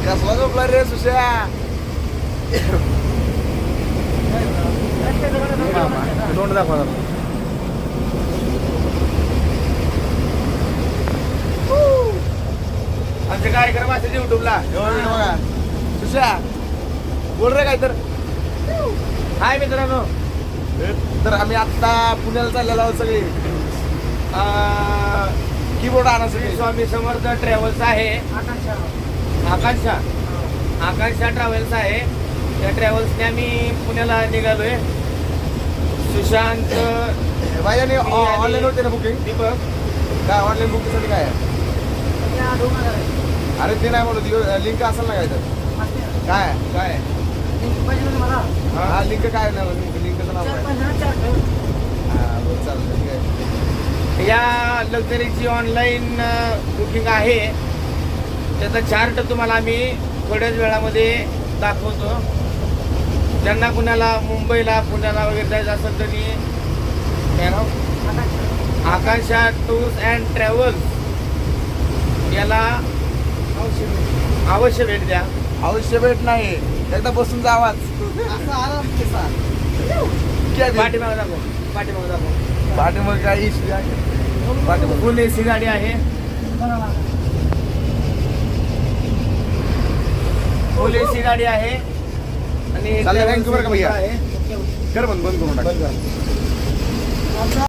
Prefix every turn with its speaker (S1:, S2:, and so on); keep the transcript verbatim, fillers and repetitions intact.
S1: कसला झोपला रे सुशा? तोंड दाखवा. आमचे कार्यक्रम असेल युट्यूबला बघा. सुशा बोल रे काय तर. हाय मित्रांनो, तर आम्ही आत्ता पुण्याला चाललेलो आहोत सगळे. कीबोर्ड आणा सगळे. स्वामी समर्थ ट्रॅव्हल्स आहे. आकांक्षा आकांक्षा ट्रॅव्हल्स आहे. त्या ट्रॅव्हल्सने आम्ही पुण्याला निघालोय. सुशांत भाई ऑनलाईन होते ना बुकिंग? दीपक काय ऑनलाईन बुकिंगसाठी काय आहे? अरे ते नाही म्हणत, लिंक असेल ना काय तर. काय काय हा लिंक काय नाही लिंक लिंकचं नाव काय? हा बरं चालतं ठीक आहे. या लक्झरीची ऑनलाईन बुकिंग आहे. त्याचा चार्ट तुम्हाला आम्ही थोड्याच वेळामध्ये दाखवतो. ज्यांना कुणाला मुंबईला पुण्याला वगैरे जायचं असेल तरी आकांक्षा टूर्स अँड ट्रॅव्हल्स याला अवश्य भेट द्या. अवश्य भेट नाही, एकदा बसून जावाच. पाठीमागं दाखव, पाठीमागं दाखव. पाठीमागं काय इश्यू आहे? पाठीमागं फुल एसी गाडी आहे. फुल एसी गाडी आहे आणि
S2: थँक्यू बरं का भैया.
S1: आहे.
S2: कर बंद बंद करून टाक.